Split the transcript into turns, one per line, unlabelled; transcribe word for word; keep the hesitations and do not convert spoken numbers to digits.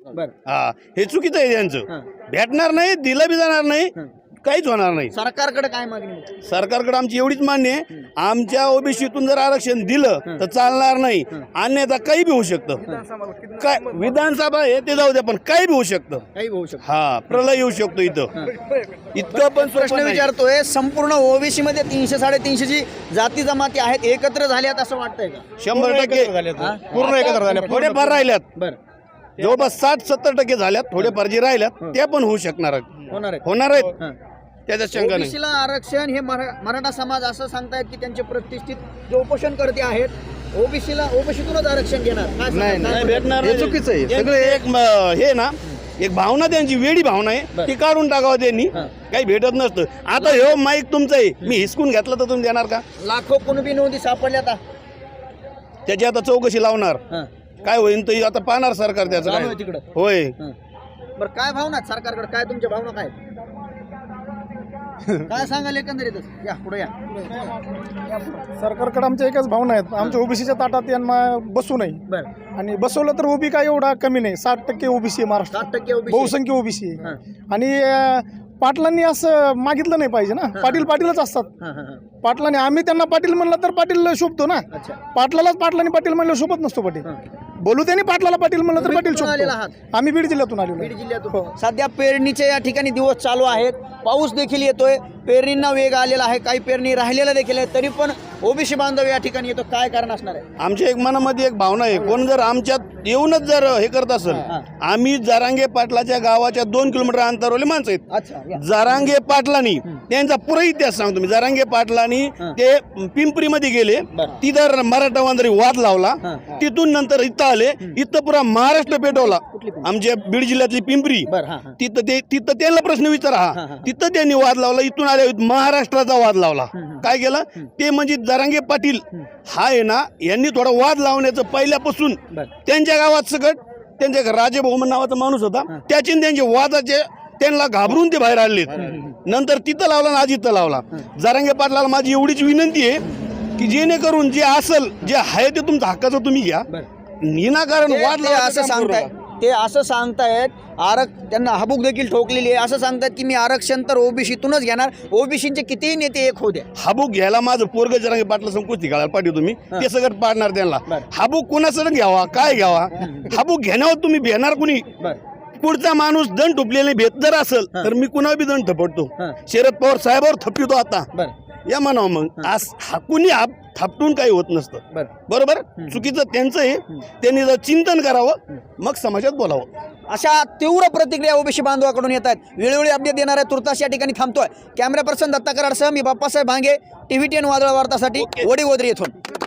बर
हा हे चुकीचं आहे त्यांचं. भेटणार नाही, दिलं बी जाणार नाही, काहीच होणार नाही.
सरकारकडे काय मागणी?
सरकारकडे आमची एवढीच मान्य आहे, आमच्या ओबीसीतून जर आरक्षण दिलं तर चालणार नाही, अन्यथा काही बी होऊ शकतं. काय विधानसभा आहे ते जाऊ द्या, पण काही बी होऊ शकतं.
काही होऊ शकतं.
हा प्रलय येऊ शकतो इथं. इतकं पण
प्रश्न विचारतोय, संपूर्ण ओबीसी मध्ये तीनशे साडेतीनशे जी जाती जमाती आहेत एकत्र झाल्यात असं वाटतंय का?
शंभर टक्के पूर्ण एकत्र झाल्या, थोडेफार राहिल्यात.
बर
जवळपास साठ सत्तर टक्के झाल्यात, थोडेफार जे राहिल्यात त्या पण होऊ शकणार आहेत.
होणार आहे
होणार आहेत, त्याच्यात शंका नाही.
ओबीसीला आरक्षण हे मरा- मराठा समाज असं सांगतायत की त्यांचे प्रतिष्ठित जे उपोषणकर्ते आहेत ओबीसीला ओबीसीतूनच आरक्षण घेणार. काय सांगाल?
नाही
काय
नाही
बोलताय?
भेटणार, हे चुकीचं आहे सगळे. एक म- हे ना एक भावना त्यांची वेडी भावना आहे, ती काढून टाकावं त्यांनी. काही भेटत नसतं. आता हे माईक तुमचं आहे, मी हिसकून घेतलं तर तुम्ही देणार का?
लाखो कुणबी नोंदी सापडल्या आता
त्याची आता चौकशी लावणार,
हं.
काय होईल तर आता पाहणार सरकार त्याचं
चालू
काय.
आहे तिकडं.
होय
हं. बरं काय भावना आहेत सरकारकडे? काय तुमच्या भावना काय आहेत? काय सांगाल एकंदरीतच? या पुढे या.
सरकारकडे आमच्या एकच भावना आहेत, आमच्या ओबीसीच्या ताटात यांना बसू नये.
बरं
आणि बसवलं तर ओबी काय एवढा कमी नाही, साठ टक्के ओबीसी आहे महाराष्ट्र,
सात टक्के ओबीसी
बहुसंख्य ओबीसी आहे. आणि अं, पाटलांनी असं मागितलं नाही पाहिजे ना, पाटील पाटीलच असतात. पाटलांनी आम्ही त्यांना पाटील म्हणलं तर पाटील शोभतो ना,
अच्छा
पाटलालाच पाटलांनी पाटील म्हणलं शोभत नसतो पाटील. बोलू त्यांनी पाटलाला पाटील म्हणलं तर पाटील
कुठून आलेला
शोभतो.
आहात?
आम्ही बीड जिल्ह्यातून आलेलो
बीड
आहे.
जिल्ह्यातून. सध्या पेरणीचे या ठिकाणी दिवस चालू आहेत, पाऊस देखील येतोय, पेरणींना वेग आलेला आहे, काही पेरणी राहिलेला देखील आहे, तरी पण ओबीसी बांधव या ठिकाणी येतो. काय कारण असणार आहे?
आमच्या एक मनामध्ये एक भावना आहे, कोण जर आमच्यात येऊनच जर हे करत असेल, आम्ही जरांगे पाटलाच्या गावाच्या दोन किलोमीटर अंतरावरले माणसं आहेत.
अच्छा या.
जरांगे पाटलांनी त्यांचा पुरा इतिहास सांगतो मी. जरांगे पाटलांनी ते पिंपरीमध्ये गेले, तिथं मराठा वांदरी वाद लावला, तिथून नंतर इथं आले, इथं पुरा महाराष्ट्र पेटवला. आमच्या बीड जिल्ह्यातली पिंपरी,
बरं हां हां
तिथं ते तिथं त्यांना प्रश्न विचारा, हा तिथं त्यांनी वाद लावला. इथून आले महाराष्ट्राचा वाद लावला. काय केलं ते म्हणजे जरांगे पाटील हा आहे ना, यांनी थोडा वाद लावण्याचं पहिल्यापासून त्यांच्या गावात सगळं त्यांच्या राजे बहुमन नावाचा माणूस होता, त्याचे त्यांचे वादाचे त्यांना घाबरून ते बाहेर आले. नंतर तिथं लावला आणि आज इथं लावला. जरांगे पाटलाला माझी एवढीच विनंती आहे की जेणेकरून जे असेल जे आहे ते तुमचं हक्काचं तुम्ही घ्या, विनाकारण वाद
ते असं सांगताय ते असं सांगतायत आरक त्यांना हबूक देखील ठोकलेली आहे. असं सांगतात की मी आरक्षण तर ओबीसीतूनच घेणार, ओबीसीचे कितीही नेते एक होऊ द्या.
हाबूक घ्यायला माझं पोरग जरांगे पाटला संकुस्ती घालायला पाठवतो तुम्ही, ते सगळं पाडणार त्यांना. हाबूक कोणाचं घ्यावा, काय घ्यावा, हाबूक घेण्यावर तुम्ही भेटणार कुणी? पुढचा माणूस दंड टुपलेले भेट जर असेल तर मी कुणावर बी दंड थपडतो. शरद पवार साहेबावर थपवितो आता या म्हणावं. मग आज हाकुनी थापटून काही होत नसतं. बरोबर, चुकीचं त्यांचं आहे, त्यांनी जर चिंतन करावं मग समाजात बोलावं.
अशा तीव्र प्रतिक्रिया ओबीसी बांधवाकडून येत आहेत. वेळोवेळी अपडेट देणार आहे. तुर्तास या ठिकाणी थांबतोय. कॅमेरा पर्सन दत्ता कराडसह मी बाप्पासाहेब भांगे, टीव्ही टेन वादळ वार्तासाठी वडीगोद्री येथून.